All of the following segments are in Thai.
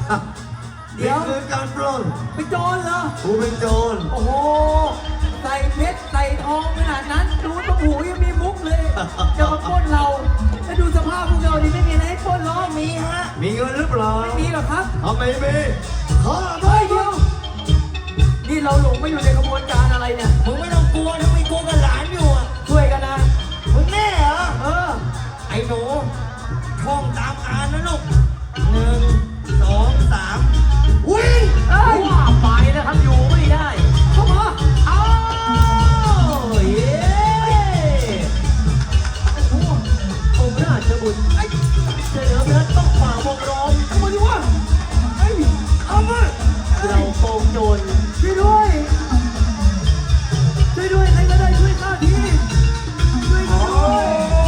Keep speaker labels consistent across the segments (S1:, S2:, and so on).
S1: เดี๋ยว
S2: คือการปล้น
S1: เป็นโจรเหรอ
S2: กูเป็นโจร
S1: โอ้โหใส่เพชรใส่ทองขนาดนั้นดูตรงหูยังมีมุกเลยจะมาปล้นเราแล้วดูสภาพพวกเราดิไม่มีอะไรให้ปล้นล้อมีฮะ
S2: มีเงินหรือเปล่า
S1: ไม่มีหรอกครับ
S2: ทำไมมีข้า
S1: ไม่เดียวนี่เราหลงมาอยู่ในกระบวนการอะไรเนี่ย
S3: มึงไม่ต้องกลัวถ้าไม่กลัวกับหลานอยู่อ่ะ
S1: ช่วยกันนะ
S3: มึงแน่เหรอ
S1: ไอ้
S3: หนูท่องตามอ่านนะลูก1 2 3วิ่ง
S1: ว่าไปนะครับอยู่ไม่ได้เข้ามาเอาเย้องค์ราชบุตรเสือเนื้อต้องฝ่าวงล้อมเข้ามาดิวะเอามาเราโกงโจรช่วยด้วยใครก็ได้ช่วยข้าทีช่วยด้วย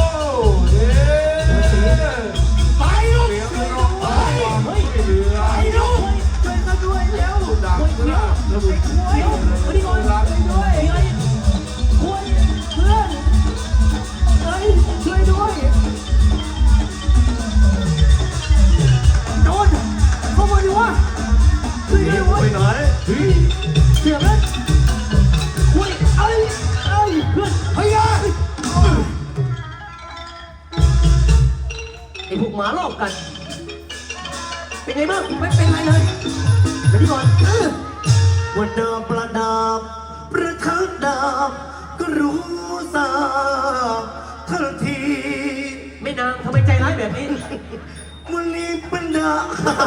S1: ไปลูกเฮ้ยไปลูกช่วยข้าด้วยเร็วดังนะระบุช่วยก่อนด้วยคุยเพื่อนเฮ้ยช่วยด้วยโดนเข้ามาดิวะช่วยด้วย
S2: ไปไหน
S1: เสียบเลยคุยเอ้ยเพื่อนเฮ้ยไอ้พวกหมาลอกกันเป็นไงบ้างไม่เป็นไรเลยเดี๋ยวนี้ก่อน
S2: วันดาบประดับประทัดดาบก็รู้สาทันที
S1: ไม่นางทำไมใจร้ายแบบนี้
S2: วันนี้เป็นดาบ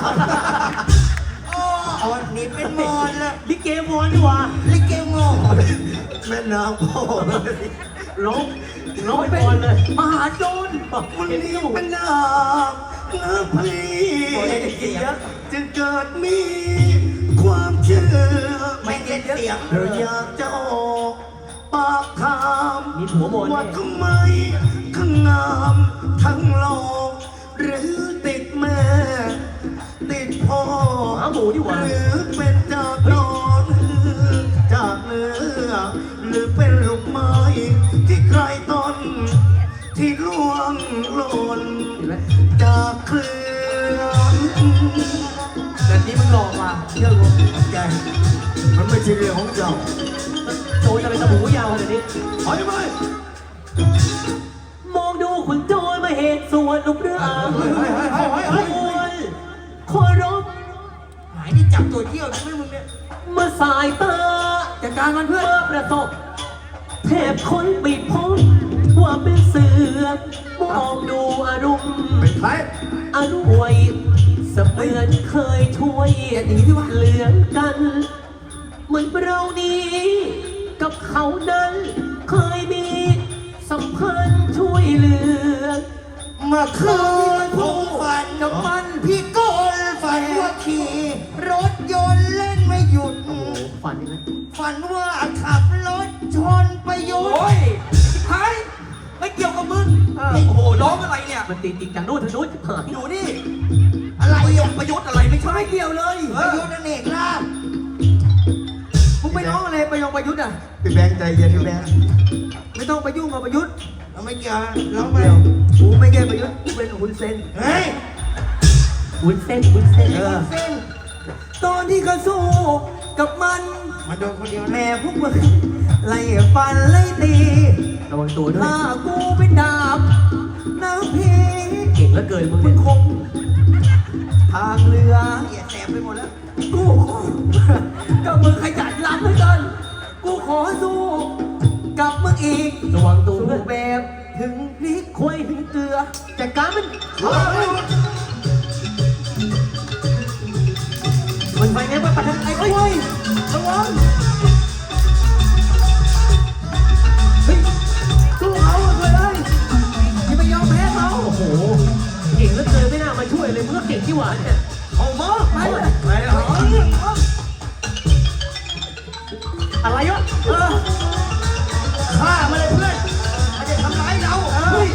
S3: อ๋อนี่เป็นมอนละ
S1: ลิเกมอนดีกว่า
S3: ลิเกมอน
S2: แม่นางพ่อ
S1: ร้องเป็นมอนเลยมหาโจร
S2: วันนี้เป็นดาบนะพี่จะเกิดมีความเชื่อ
S3: ไม่เย็นเสียง
S2: เราอยากจะออกปากถามว่าทำไมทั้งงามทั้งหล่อหรือติดแม่ติดพ่อหรือเป็นจากนอนจากเนื้อหรือเป็นลูกไม้ที่ใครต้นที่ล่วงหล่นจากเครื่อง
S1: แต่นี้มึงหลอกมาเชื่อกู
S2: แกมันไม่ใช่เรื่องของเจ้า
S1: โจรจะเป็นตะบูยาวขนาดนี้
S2: ถอยไป
S1: มองดูขุนโจรมาเหตุส่วนลูกเรือขอรบ
S3: หายนี่จับตัวเที่ยวใช่ไหมมึงเนี่ย
S1: เมื่อสายตาจากการมันเพื่อประสบแทบคนปิดพ้องว่าเป็นเสือมองดูอารมณ์
S2: เป็นใคร
S1: อรวยเสมือนเคยช่วยเหลือกันเหมือนเรานี้กับเขานั้นเคยมีสัมพันธ์ช่วยเหลือ
S3: เมื่อคืนผู้ฝันกับมันพี่โกนฝันว่าขี่รถยนต์เล่นไม่หยุด
S1: ฝันยังไง
S3: ฝันว่าขับรถชนประยุทธ์
S1: โอ้ยใครไม่เกี่ยวกับมึงโอ้โหร้องอะไรเนี่ยมันติดจากโน้นทางโน้น
S3: อยู่นี่อะไร
S1: ประยุทธ์อะไรไม่ใช่
S3: ไม่เกี่ยวเลยประยุทธ์นั่นเองล่ะ
S1: มึงไปร้องอะไรประยุทธ์อ่ะ
S2: พี่แบงค์ใจเย็นพี่แบงค์
S1: ไม่ต้องไปยุ่งกับประยุทธ์
S3: เราไม่เกี่ยวร้องไป
S1: กูไม่แก้ประยุทธ์กูเป็นหุ่นเซน
S3: เฮ้ย
S1: หุ่นเซนตอนที่เขาสู้กับมัน
S3: มาโดนคนเดียว
S1: แม่พวกมึงไล่ฟันไล่ตีระวังตัวด้วยถ้ากูเป็นดาบน้ำพีเก่งแล้วเกินมึงคงทางเรือ
S3: แสบไปหมดแล้ว
S1: กูก็มึงขยันล้ำเหลือเกินกูขอสู้กับมึงอีกระวังตัวด้วยแบบถึงพริกคุยถึงเกลือจัดการมันไปไงวะปัดไอ้คุยระวังเฮ้ยสู้เขาเลยอย่าไปยอมแพ้เขาโอ้โหเก่งแล้วเกินไม่น่ามาช่วยเลยมึงก็เก่งที่หวานเนี่ยเอามาไปเลยอะไรวะ
S3: ฆ่ามาเลยเพื่อนมันจะทำร้ายเรา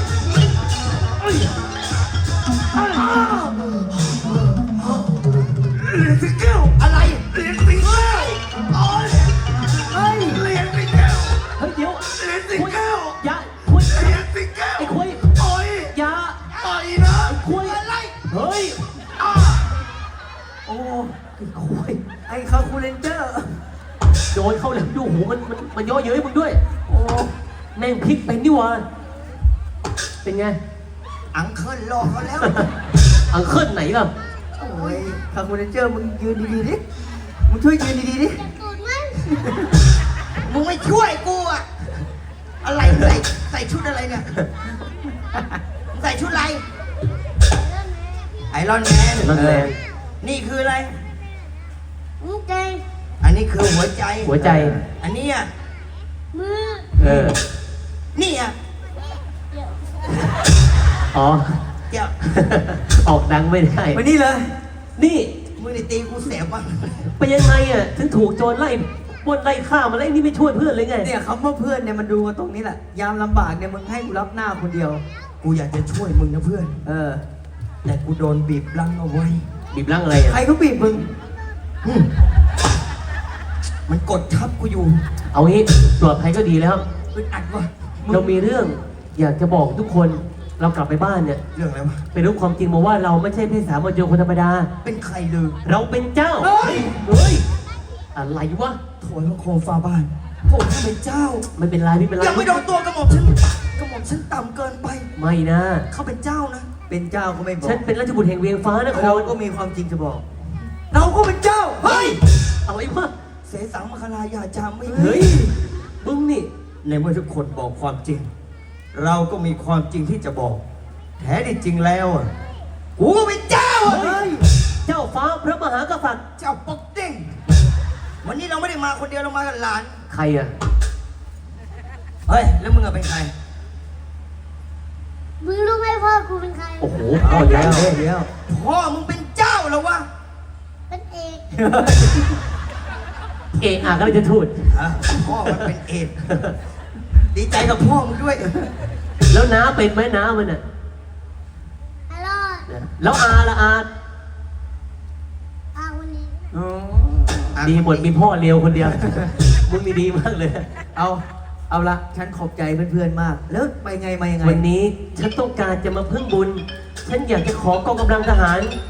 S2: เหรียญสิงแก้ว
S3: อะไร
S2: เหรียญสิงแก้วเหรียญสิงแก้ว
S1: เฮ้ยเดี๋ยว
S2: เหรียญสิงแก้ว
S1: อย่าคุย
S2: เหรียญสิงแก้ว
S1: ไอ้คุย
S2: ต่อย
S1: อย่า
S2: ต่อยนะ
S1: คุยอะไรเฮ้ยโอ้ไอ้โคุย
S3: ไอ้คาคูเลนเจอร์
S1: โดนเข้าแล้วดูหูมันย่อเย้ยมึงด้วย
S3: โอ้
S1: แม่งพลิกเป็นนี่หวะเป็นไง
S3: อังเคิลรอเขาแล้ว
S1: อังเคิลไหนล่ะ
S3: โอ้ยคาคูเลนเจอร์มึงยืนดีๆดิมึงช่วยยืนดีๆดิมึงไม่ช่วยกูอะอะไรใส่ชุดอะไรเนี่ยใส่ชุดอะไรไอรอนแมน
S1: รอนแมน
S3: นี่คืออะไร
S4: ใจ
S3: อันนี้คือหัวใจ
S1: หัวใจ
S3: อันนี้อ่ะ
S4: มือ
S1: เออ
S3: นี่อ่ะ
S1: อ๋อ
S3: เดี๋ยว
S1: ออกดังไม่ได้
S3: มานี่เลย
S1: นี่
S3: มึงนี่ตีกูเสียบ้าง
S1: ไปยังไงอ่ะถึงถูกโจรไล่ปล้นไล่ฆ่ามาแล้วไอ้นี่ไม่ช่วยเพื่อนเลยไง
S3: เนี่ยคำว่าเพื่อนเนี่ยมันดูกันตรงนี้แหละ ยามลำบากเนี่ยมึงให้กูรับหน้าคนเดียว กูอยากจะช่วยมึงนะเพื่อน แต่กูโดนบีบลังเอาไว้
S1: บีบร่างอะไรอ่ะ
S3: ใครก็บีบมึง มันกดทับกูอยู่
S1: เอางี้ปลอดภัยก็ดีแล้ว
S3: อึดอัดวะมึง
S1: เรามีเรื่องอยากจะบอกทุกคนเรากลับไปบ้านเนี่ย
S3: เรื่องอะไรวะ
S1: ไปรู้ความจริงมาว่าเราไม่ใช่เพศสามัญชนคนธรรมดา
S3: เป็นใครลือ
S1: เราเป็นเจ้า
S3: เฮ้ย
S1: เฮ้ยอะไรวะ
S3: ถอยพระโคมฟ้าบ้านผมท่านเป็นเจ้า
S1: ไม่เป็นไรไม่เป็นไร
S3: ยังไม่โดนตัวกระหม่อมฉันต่ำเกินไป
S1: ไม่นะ
S3: เขาเป็นเจ้านะ เป็นเจ้าก็ไม่บอก
S1: ฉันเป็นราชบุตรแห่งเวียงฟ้านค
S3: เรา
S1: ร
S3: ก็มีความจริงจะบอก เราก็เป็นเจ้า เฮ้ย
S1: อะไรวะ
S3: เสสังมคลายาจามไม่
S1: เฮ้ยมึงนี่
S3: ในเมื่อทุกคนบอกความจริง เราก็มีความจริงที่จะบอก แท้ที่จริงแล้วอ่ะกูก็เป็นเจ้าอ่ะ
S1: เฮ้ยเจ้าฟ้าพระมหากษัตริย์
S3: เจ้าปกเด้งวันนี้เราไม่ได้มาคนเดียวเรามากับหลาน
S1: ใครอ่ะ
S3: เฮ้ย แล้วมึงอะเป็นใคร
S4: มึงรู้ไหมพ่อกูเป็นใคร
S1: โอ้โหพ่อแล้ว
S3: พ่อมึงเป็นเจ้าแล้ววะ
S4: เป็นเอก
S1: เอะอะก็เลยจะทูด
S3: อ่ะพ่อมันเป็นเอดส์ดีใจกับพ่อมึงด้วย
S1: แล้วน้าเป็นไหมน้ามันอ่ะ
S4: ฮัลโหล
S1: แล้วอาละอา
S4: วันนี้
S1: ดีหมดมีพ่อเลียวคนเดียว มึงนี่ดีมากเลย
S3: เอาละฉันขอบใจเพื่อนๆมาก แล้วไปไงมายังไง
S1: วันนี้ฉันต้องการจะมาพึ่งบุญ ฉันอยากจะขอกองกำลังทหาร